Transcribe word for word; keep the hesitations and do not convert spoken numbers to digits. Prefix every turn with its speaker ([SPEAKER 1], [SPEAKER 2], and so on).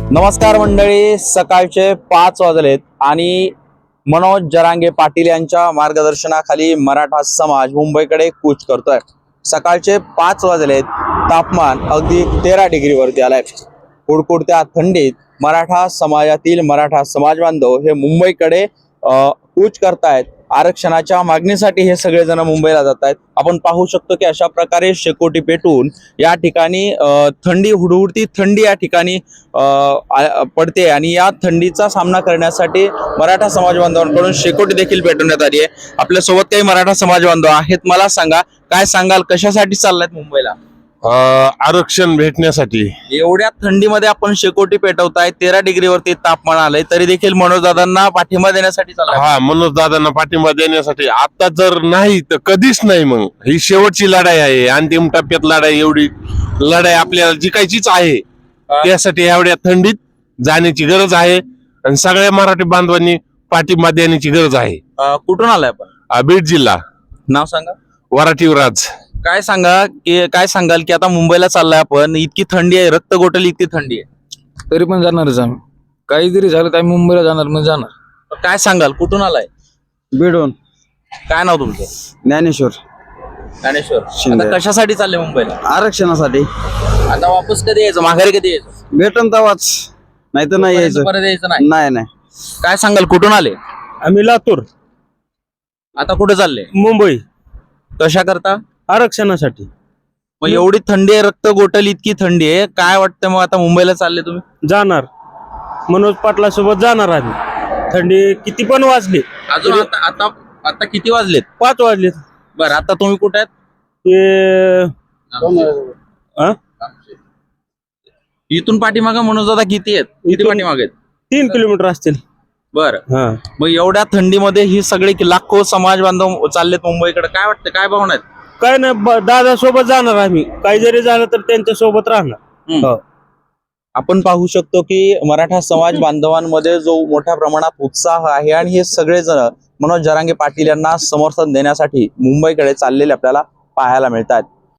[SPEAKER 1] नमस्कार मंडळी, सकाळचे पाच वाजलेत आणि मनोज जरांगे पाटील यांच्या मार्गदर्शनाखाली मराठा समाज मुंबईकडे कूच करतोय। सकाळचे पाच वाजलेत, तापमान अगदी तेरा डिग्री वरती आलंय। कुडकुडत्या थंडीत मराठा समाजातील मराठा समाज बांधव हे मुंबईकडे कूच करतायत। आरक्षणाच्या मागणीसाठी हे सगळेजण मुंबईला जात आहेत। आपण पाहू शकतो की अशा प्रकारे शेकोटी पेटून या ठिकाणी थंडी हुडहुडती थंडी या ठिकाणी पडते आणि या थंडीचा सामना करण्यासाठी मराठा समाज बांधवांकडून शेकोटी देखील पेटवण्यात आली आहे। आपल्या सोबत काही मराठा समाज बांधव आहेत, मला सांगा काय सांगाल, कशासाठी चाललायत मुंबईला?
[SPEAKER 2] आरक्षण भेटण्यासाठी।
[SPEAKER 1] एवढ्या थंडीमध्ये आपण शेकोटी पेटवताय, तेरा डिग्री वरती तापमान आलंय, तरी देखील मनोज दादांना पाठिंबा देण्यासाठी चाललाय?
[SPEAKER 2] हा, मनोज दादांना पाठिंबा देण्यासाठी। आता जर नाही तर कधीच नाही, मग ही शेवटची लढाई आहे, अंतिम टप्प्यात लढाई। एवढी लढाई आपल्याला जिकायचीच आहे, त्यासाठी एवढ्या थंडीत जाण्याची गरज आहे आणि सगळ्या मराठी बांधवांनी पाठिंबा देण्याची गरज आहे।
[SPEAKER 1] कुठून आलाय आपण?
[SPEAKER 2] बीड जिल्हा।
[SPEAKER 1] नाव सांगा?
[SPEAKER 2] वराठीवराज।
[SPEAKER 1] काय सांगा की काय सांगाल की आता मुंबईला चाललाय आपण, इतकी थंडी आहे, रक्त गोठली इतकी थंडी आहे,
[SPEAKER 3] तरी पण जाणारच आम्ही। काही जरी झालं तर आम्ही मुंबईला जाणार म्हणजे जाणार।
[SPEAKER 1] काय सांगाल, कुठून आलाय?
[SPEAKER 4] बीडून।
[SPEAKER 1] काय नाव तुमचं?
[SPEAKER 4] ज्ञानेश्वर
[SPEAKER 1] ज्ञानेश्वर।
[SPEAKER 4] शिंदे।
[SPEAKER 1] आता कशासाठी चालले मुंबईला?
[SPEAKER 4] आरक्षणासाठी।
[SPEAKER 1] आता वापस कधी यायचं, माघारी कधी यायचं?
[SPEAKER 4] भेटन तवाच, नाही तर नाही यायचं।
[SPEAKER 1] परत यायचं नाही?
[SPEAKER 4] नाही नाही
[SPEAKER 1] काय सांगाल, कुठून आले?
[SPEAKER 5] आम्ही लातूर।
[SPEAKER 1] आता कुठे चालले?
[SPEAKER 5] मुंबई।
[SPEAKER 1] कशा करता?
[SPEAKER 5] आरक्षणासाठी।
[SPEAKER 1] मग एवढी थंडी आहे, रक्त गोठल इतकी थंडी आहे, काय वाटतं मग आता मुंबईला चालले तुम्ही?
[SPEAKER 5] जाणार, मनोज पाटला सोबत जाणार आम्ही। थंडी किती पण वाजली,
[SPEAKER 1] अजून आता आता आता किती वाजलेत?
[SPEAKER 5] पाच वाजले।
[SPEAKER 1] बरं, आता तुम्ही कुठे आहेत?
[SPEAKER 5] ते हा?
[SPEAKER 1] इथून पाठीमागं मनोज दादा किती आहेत? किती
[SPEAKER 5] इथून-
[SPEAKER 1] पाठीमागे आहेत?
[SPEAKER 5] तीन किलोमीटर असतील।
[SPEAKER 1] बरं,
[SPEAKER 5] हा,
[SPEAKER 1] मग एवढ्या थंडीमध्ये ही सगळे लाखो समाज बांधव चाललेत मुंबईकडे, काय वाटतं, काय भावना आहेत?
[SPEAKER 5] काय नाही, दादा सोबत जाणार आम्ही। काही जरी झालं तर त्यांच्या सोबत राहणार।
[SPEAKER 1] हम्म.
[SPEAKER 5] हो।
[SPEAKER 1] आपण पाहू शकतो की मराठा समाज बांधवांमध्ये जो मोठ्या प्रमाणात उत्साह आहे आणि हे सगळेजण मनोज जरांगे पाटील यांना समर्थन देण्यासाठी मुंबईकडे चाललेले आपल्याला पाहायला मिळतात।